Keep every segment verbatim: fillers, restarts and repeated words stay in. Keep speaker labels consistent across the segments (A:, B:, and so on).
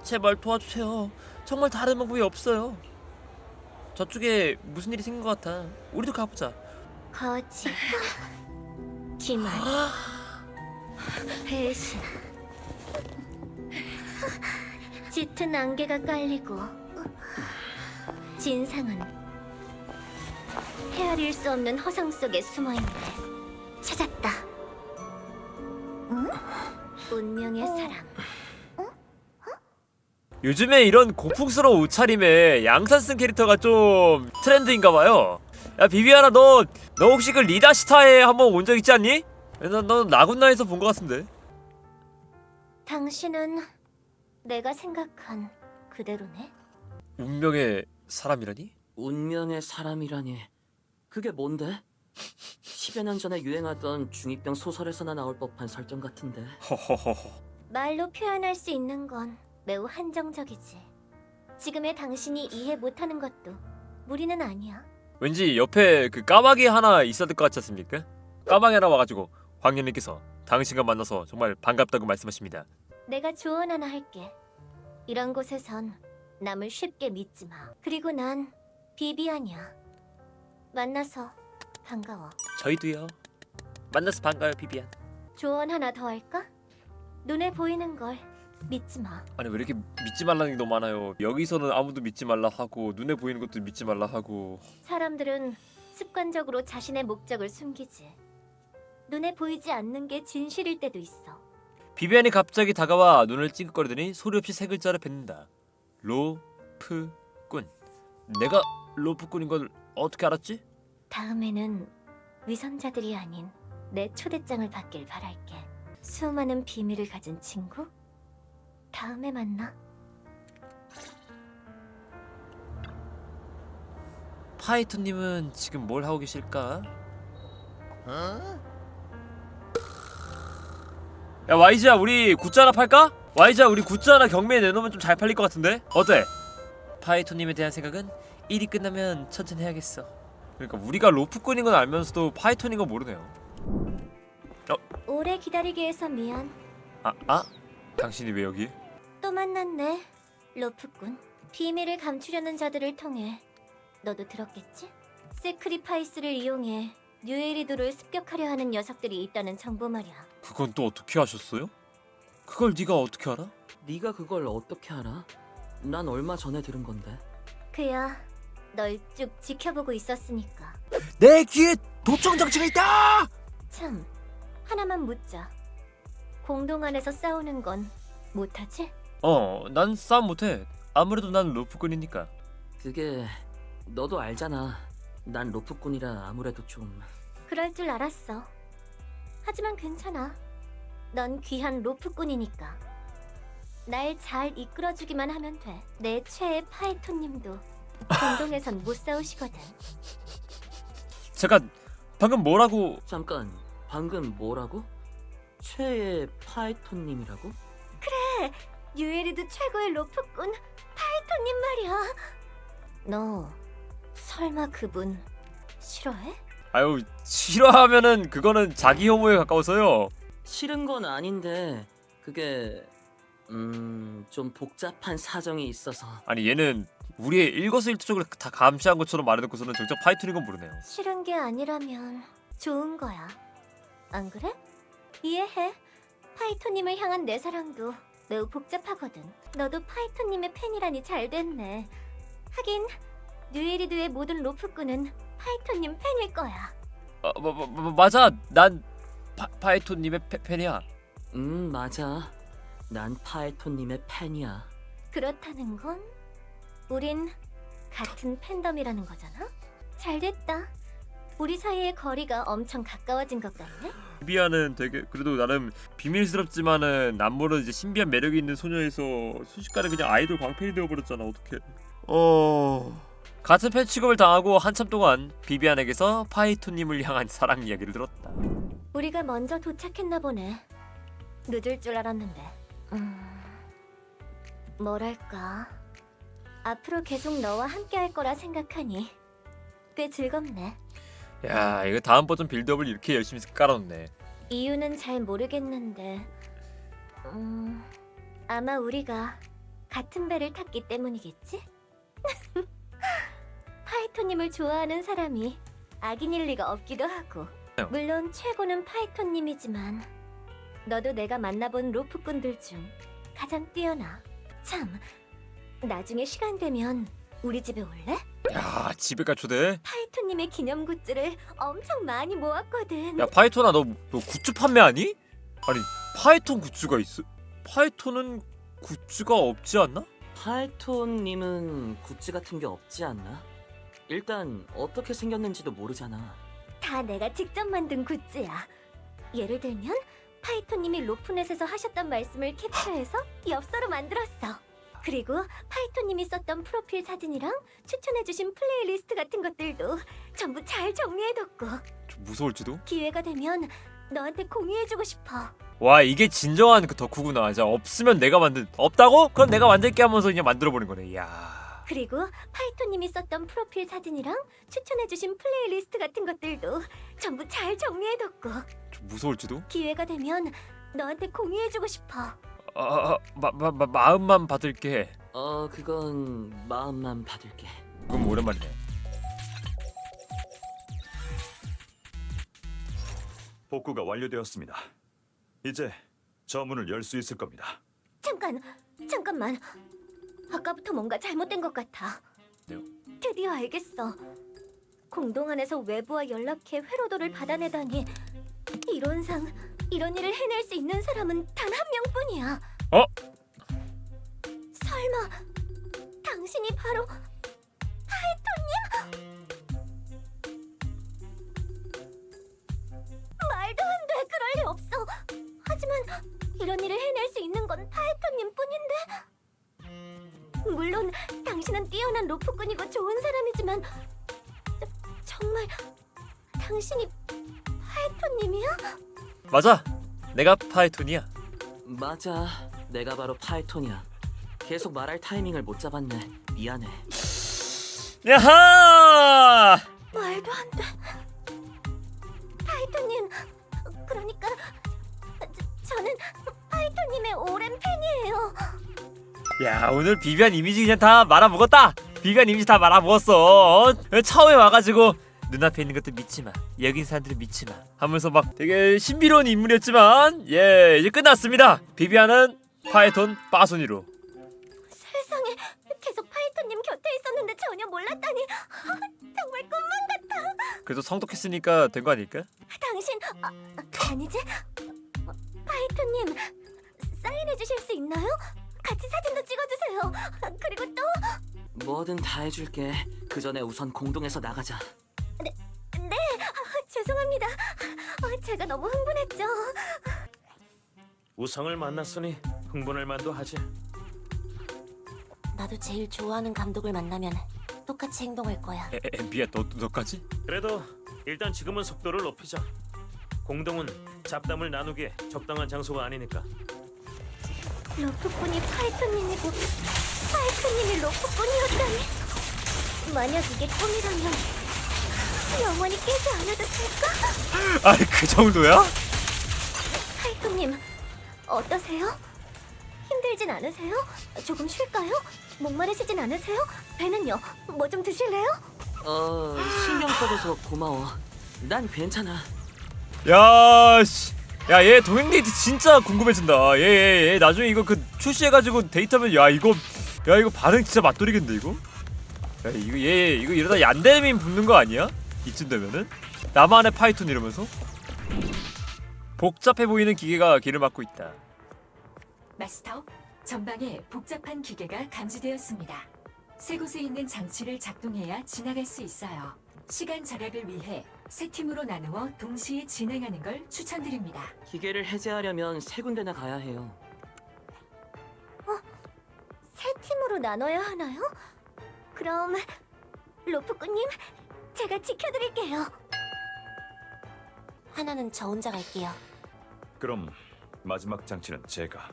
A: 제발 도와주세요. 정말 다른 방법이 없어요. 저쪽에 무슨 일이 생긴 것 같아. 우리도 가보자.
B: 거짓, 기말, 배신, 짙은 안개가 깔리고 진상은 헤아릴 수 없는 허상 속에 숨어있네. 찾았다. 응? 운명의 사랑.
A: 요즘에 이런 고풍스러운 옷차림에 양산 쓴 캐릭터가 좀 트렌드인가봐요. 야 비비아나 너 너 혹시 그 리다시타에 한번 온 적 있지 않니? 너, 너 나군나에서 본 것 같은데.
B: 당신은 내가 생각한 그대로네.
A: 운명의 사람이라니?
C: 운명의 사람이라니 그게 뭔데? 십여 년 전에 유행하던 중이병 소설에서나 나올 법한 설정 같은데.
A: 허허허허.
B: 말로 표현할 수 있는 건 매우 한정적이지. 지금의 당신이 이해 못하는 것도 무리는 아니야.
A: 왠지 옆에 그 까마귀 하나 있었을 것 같지 않습니까? 까마귀 하나 와가지고 황년님께서 당신과 만나서 정말 반갑다고 말씀하십니다.
B: 내가 조언 하나 할게. 이런 곳에선 남을 쉽게 믿지 마. 그리고 난 비비안이야. 만나서 반가워.
A: 저희도요. 만나서 반가워요 비비안.
B: 조언 하나 더 할까? 눈에 보이는 걸 믿지 마.
A: 아니 왜 이렇게 믿지 말라는 게 너무 많아요. 여기서는 아무도 믿지 말라 하고 눈에 보이는 것도 믿지 말라 하고.
B: 사람들은 습관적으로 자신의 목적을 숨기지. 눈에 보이지 않는 게 진실일 때도 있어.
A: 비비안이 갑자기 다가와 눈을 찡긋거리더니 소리 없이 세 글자를 뱉는다. 로프꾼. 내가 로프꾼인 걸 어떻게 알았지?
B: 다음에는 위선자들이 아닌 내 초대장을 받길 바랄게. 수많은 비밀을 가진 친구? 다음에 만나.
A: 파이터님은 지금 뭘 하고 계실까? 야 와이즈야 우리 굿즈 하나 팔까? 와이즈야 우리 굿즈 하나 경매에 내놓으면 좀 잘 팔릴 것 같은데? 어때? 파이터님에 대한 생각은 일이 끝나면 천천히 해야겠어. 그러니까 우리가 로프꾼인 건 알면서도 파이터인 건 모르네요.
B: 오래 기다리게 해서 미안.
A: 아? 아? 당신이 왜 여기?
B: 또 만났네, 로프꾼. 비밀을 감추려는 자들을 통해 너도 들었겠지? 세크리파이스를 이용해 뉴에리도를 습격하려 하는 녀석들이 있다는 정보 말이야.
A: 그건 또 어떻게 하셨어요? 그걸 네가 어떻게 알아?
C: 네가 그걸 어떻게 알아? 난 얼마 전에 들은 건데.
B: 그야 널 쭉 지켜보고 있었으니까.
A: 내 귀에 도청 장치가 있다!
B: 참, 하나만 묻자. 공동 안에서 싸우는 건 못하지?
A: 어, 난 싸움 못해. 아무래도 난 로프꾼이니까.
C: 그게 너도 알잖아. 난 로프꾼이라 아무래도 좀...
B: 그럴 줄 알았어. 하지만 괜찮아. 넌 귀한 로프꾼이니까. 날 잘 이끌어주기만 하면 돼. 내 최애 파이토님도 공동에선 못 싸우시거든.
A: 잠깐, 방금 뭐라고?
C: 잠깐, 방금 뭐라고? 최애 파이톤님이라고?
B: 뉴에리드 최고의 로프꾼 파이토님 말이야. 너 설마 그분 싫어해?
A: 아유, 싫어하면은 그거는 자기 혐오에 가까워서요.
C: 싫은 건 아닌데 그게... 음... 좀 복잡한 사정이 있어서...
A: 아니 얘는 우리의 일거수일투족을 다 감시한 것처럼 말해놓고서는 정작 파이톤인 건 모르네요.
B: 싫은 게 아니라면 좋은 거야. 안 그래? 이해해. 파이토님을 향한 내 사랑도 매우 복잡하거든. 너도 파이토님의 팬이라니 잘 됐네. 하긴 뉴에리드의 모든 로프꾼은 파이토님 팬일 거야.
A: 아, 마, 마, 마, 맞아, 난 파, 파이톤님의 페, 팬이야.
C: 음 맞아. 난 파이톤님의 팬이야.
B: 그렇다는 건 우린 같은 팬덤이라는 거잖아? 잘 됐다. 우리 사이의 거리가 엄청 가까워진 것 같네?
A: 비비아는 되게 그래도 나름 비밀스럽지만은 남모르는 이제 신비한 매력이 있는 소녀에서 순식간에 그냥 아이돌 광팬이 되어버렸잖아. 어떡해. 어... 같은 팬 취급을 당하고 한참 동안 비비안에게서 파이토님을 향한 사랑 이야기를 들었다.
B: 우리가 먼저 도착했나 보네. 늦을 줄 알았는데. 음... 뭐랄까... 앞으로 계속 너와 함께 할 거라 생각하니 꽤 즐겁네.
A: 야, 이거 다음 버전 빌드업을 이렇게 열심히 깔아놓네.
B: 이유는 잘 모르겠는데 음... 아마 우리가 같은 배를 탔기 때문이겠지? 파이토님을 좋아하는 사람이 악인일 리가 없기도 하고. 물론 최고는 파이토님이지만 너도 내가 만나본 로프꾼들 중 가장 뛰어나. 참, 나중에 시간 되면 우리 집에 올래?
A: 야 집에까지 초대.
B: 파이토님의 기념 굿즈를 엄청 많이 모았거든.
A: 야 파이톤아 너, 너 굿즈 판매하니? 아니 파이톤 굿즈가 있어? 파이톤은 굿즈가 없지 않나?
C: 파이톤님은 굿즈 같은 게 없지 않나? 일단 어떻게 생겼는지도 모르잖아.
B: 다 내가 직접 만든 굿즈야. 예를 들면 파이토님이 로프넷에서 하셨던 말씀을 캡처해서 엽서로 만들었어. 그리고 파이토님이 썼던 프로필 사진이랑 추천해주신 플레이리스트 같은 것들도 전부 잘 정리해뒀고,
A: 좀 무서울지도?
B: 기회가 되면 너한테 공유해주고 싶어.
A: 와 이게 진정한 그 덕후구나. 자 없으면 내가 만든, 없다고? 그럼 내가 만들게 하면서 그냥 만들어버린 거네. 이야.
B: 그리고 파이토님이 썼던 프로필 사진이랑 추천해주신 플레이리스트 같은 것들도 전부 잘 정리해뒀고,
A: 좀 무서울지도?
B: 기회가 되면 너한테 공유해주고 싶어.
A: 아, 마, 마, 마, 마음만 받을게.
C: 어, 그건 마음만 받을게.
A: 그럼 오랜만이네.
D: 복구가 완료되었습니다. 이제 저 문을 열 수 있을 겁니다.
B: 잠깐, 잠깐만. 아까부터 뭔가 잘못된 것 같아.
A: 네요?
B: 드디어 알겠어. 공동 안에서 외부와 연락해 회로도를 받아내다니. 이론상 이런 일을 해낼 수 있는 사람은 단 한 명뿐이야.
A: 어?
B: 설마 당신이 바로 파이토님? 말도 안 돼. 그럴 리 없어. 하지만 이런 일을 해낼 수 있는 건 파이토님 뿐인데. 물론 당신은 뛰어난 로프꾼이고 좋은 사람이지만 저- 정말 당신이 파이토님이야?
A: 맞아. 내가 파이톤이야.
C: 맞아, 내가 바로 파이톤이야. 계속 말할 타이밍을 못 잡았네. 미안해.
A: 야하!
B: 말도 안 돼. 파이토님, 그러니까 저, 저는 파이토님의 오랜 팬이에요.
A: 야 오늘 비비안 이미지 그냥 다 말아먹었다. 비비안 이미지 다 말아먹었어. 어? 처음에 와가지고 눈앞에 있는 것도 믿지마, 여긴 사람들은 믿지마 하면서 막 되게 신비로운 인물이었지만 예 이제 끝났습니다. 비비안은 파이톤 빠순이로.
B: 세상에, 계속 파이토님 곁에 있었는데 전혀 몰랐다니. 정말 꿈만 같아.
A: 그래도 성독했으니까 된 거 아닐까?
B: 당신, 아, 아니지? 어, 파이토님, 사인해 주실 수 있나요? 같이 사진도 찍어주세요. 아, 그리고 또
C: 뭐든 다 해줄게. 그 전에 우선 공동에서 나가자.
B: 네, 아, 죄송합니다. 아, 제가 너무 흥분했죠.
E: 우성을 만났으니 흥분할 만도 하지.
B: 나도 제일 좋아하는 감독을 만나면 똑같이 행동할 거야.
A: 에, 에, 미야 너, 너까지?
E: 그래도 일단 지금은 속도를 높이자. 공동은 잡담을 나누기에 적당한 장소가 아니니까.
B: 로프꾼이 파이토님이고 파이토님이 로프꾼이었다니. 만약 이게 꿈이라면 영원히 깨지 않아도 될까?
A: 아니 그 정도야?
B: 파이토님, 어떠세요? 힘들진 않으세요? 조금 쉴까요? 목마르시진 않으세요? 배는요? 뭐 좀 드실래요?
C: 어, 신경 써줘서 고마워. 난 괜찮아.
A: 야 씨. 야 얘 동행 데이트 진짜 궁금해진다. 얘얘얘 얘, 나중에 이거 그 출시해가지고 데이트하면 야 이거 야 이거 반응 진짜 맛돌이겠는데 이거? 야 이거 얘 이거 이러다 얀데민 붙는 거 아니야? 이쯤 되면은 나만의 파이톤 이러면서 복잡해 보이는 기계가 길을 막고 있다.
F: 마스터, 전방에 복잡한 기계가 감지되었습니다. 세 곳에 있는 장치를 작동해야 지나갈 수 있어요. 시간 절약을 위해 세 팀으로 나누어 동시에 진행하는 걸 추천드립니다.
C: 기계를 해제하려면 세 군데나 가야 해요.
B: 세 팀으로 나눠야 하나요? 그럼 로프꾼님, 제가 지켜드릴게요. 하나는 저 혼자 갈게요.
D: 그럼 마지막 장치는 제가.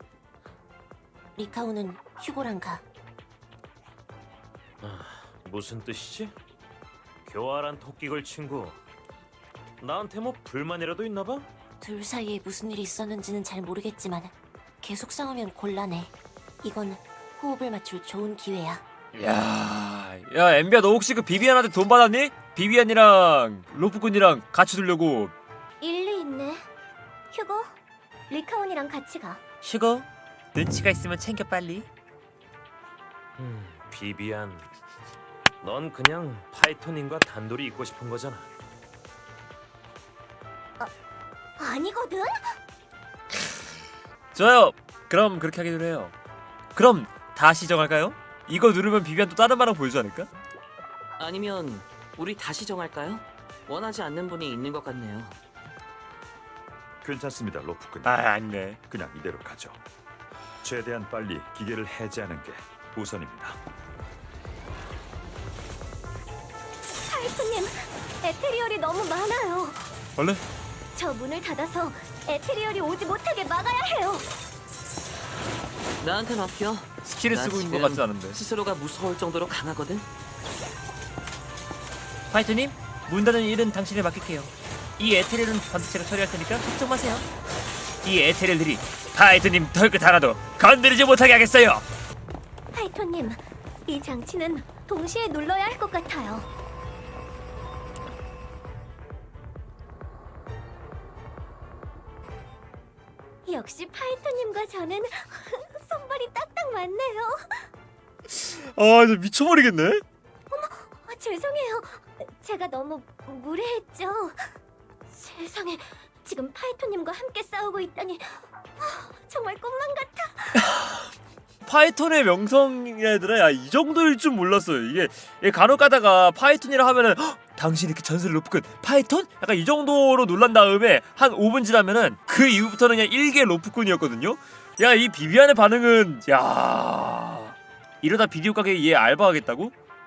B: 리카우는 휴고랑 가.
E: 무슨 뜻이지? 교활한 토끼걸 친구. 나한테 뭐 불만이라도 있나 봐?
B: 둘 사이에 무슨 일이 있었는지는 잘 모르겠지만 계속 싸우면 곤란해. 이건 호흡을 맞출 좋은 기회야.
A: 야, 야 엠비야 너 혹시 그 비비안한테 돈 받았니? 비비안이랑 로프꾼이랑 같이 두려고.
B: 일리 있네. 휴고, 리카온이랑 같이 가.
A: 휴고. 눈치가 있으면 챙겨 빨리.
E: 음, 비비안. 넌 그냥 파이터님과 단둘이 있고 싶은 거잖아.
B: 아니거든?
A: 좋아요. 그럼 그렇게 하기로 해요. 그럼 다시 정할까요? 이거 누르면 비비안 또 다른 말랑 보여주지 않을까?
C: 아니면 우리 다시 정할까요? 원하지 않는 분이 있는 것 같네요.
D: 괜찮습니다, 로프꾼.
A: 아 아니네.
D: 그냥 이대로 가죠. 최대한 빨리 기계를 해제하는 게 우선입니다.
B: 파이프님, 에테리얼이 너무 많아요.
A: 얼른.
B: 저 문을 닫아서 에테리얼이 오지 못하게 막아야 해요.
C: 나한테 맡겨.
A: 스킬을
C: 나
A: 쓰고 있는 것
C: 지금
A: 같지 않은데.
C: 스스로가 무서울 정도로 강하거든.
A: 파이터님, 문 닫는 일은 당신에 맡길게요. 이 에테리얼은 반드시 제가 처리할 테니까 걱정 마세요. 이 에테리얼들이 파이터님 털끝 하나도 건드리지 못하게 하겠어요.
B: 파이토님, 이 장치는 동시에 눌러야 할 것 같아요. 역시 파이토님과 저는 손발이 딱딱 맞네요.
A: 아, 진짜 미쳐버리겠네.
B: 어, 죄송해요. 제가 너무 무례했죠. 세상에, 지금 파이토님과 함께 싸우고 있다니 아, 정말 꿈만 같아.
A: 파이톤의 명성이라 야, 이 정도일 줄 몰랐어요. 이게, 이게 간혹 가다가 파이톤이라 하면은 헉, 당신이 이렇게 전설을 높은 파이톤? 약간 이 정도로 놀란 다음에 한 오 분 지나면은 그 이후부터는 그냥 일개 로프꾼이었거든요. 야, 이 비비안의 반응은 야 이러다 비디오 가게에 얘 알바하겠다고?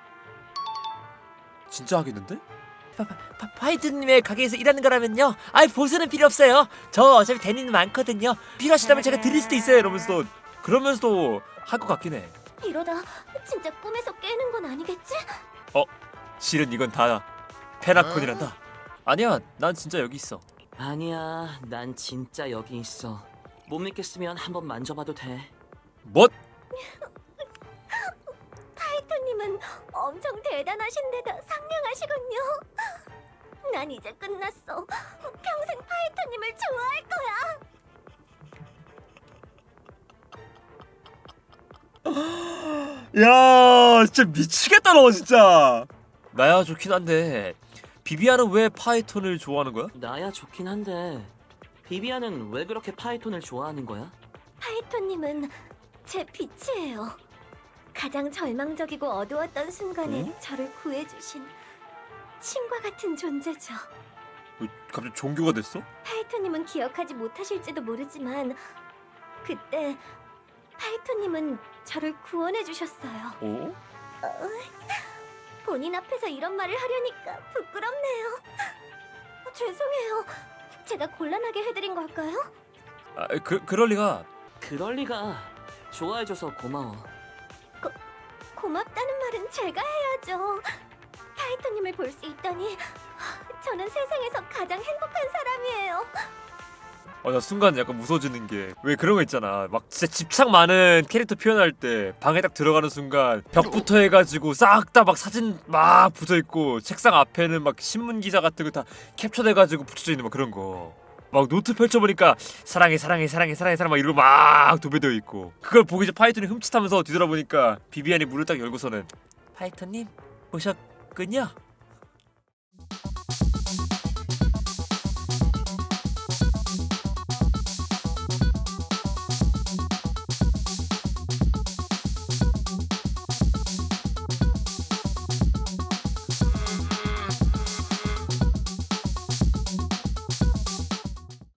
A: 진짜 하겠는데? 파, 파, 파이트님의 가게에서 일하는 거라면요, 아이 보수는 필요 없어요. 저 어차피 대리는 많거든요. 필요하시다면 제가 드릴 수도 있어요. 이러면서도 그러면서도 할 것 같긴 해.
B: 이러다 진짜 꿈에서 깨는 건 아니겠지?
A: 실은 이건 다 페나콘이란다. 아니야, 난 진짜 여기 있어.
C: 아니야, 난 진짜 여기 있어. 못 믿겠으면 한번 만져봐도 돼.
A: 뭐?
B: 파이토님은 엄청 대단하신데다 상냥하시군요. 난 이제 끝났어. 평생 파이토님을 좋아할 거야.
A: 야, 진짜 미치겠다 너 진짜. 나야 좋긴 한데 비비안은 왜 파이톤을 좋아하는 거야?
C: 나야 좋긴 한데 비비안은 왜 그렇게 파이톤을 좋아하는 거야?
B: 파이토님은 제 빛이에요. 가장 절망적이고 어두웠던 순간에
A: 응?
B: 저를 구해주신 신과 같은 존재죠.
A: 왜 갑자기 종교가 됐어?
B: 파이토님은 기억하지 못하실지도 모르지만 그때 파이토님은 저를 구원해 주셨어요.
A: 어?
B: 본인 앞에서 이런 말을 하려니까 부끄럽네요. 어, 죄송해요. 제가 곤란하게 해드린 걸까요?
A: 아, 그 그럴 리가.
C: 그럴 리가. 좋아해줘서 고마워.
B: 고맙다는 말은 제가 해야죠. 파이토님을 볼 수 있다니 저는 세상에서 가장 행복한 사람이에요.
A: 어, 나 순간 약간 무서워지는 게 왜 그런 거 있잖아. 막 진짜 집착 많은 캐릭터 표현할 때 방에 딱 들어가는 순간 벽부터 해가지고 싹 다 막 사진 막 붙어 있고 책상 앞에는 막 신문 기사 같은 거 다 캡처돼가지고 붙여져 있는 막 그런 거. 막 노트 펼쳐보니까 사랑해 사랑해 사랑해 사랑해 사랑 막 이러고 막 도배되어 있고, 그걸 보고 이제 파이톤이 흠칫하면서 뒤돌아보니까 비비안이 문을 딱 열고서는 파이톤님 오셨군요.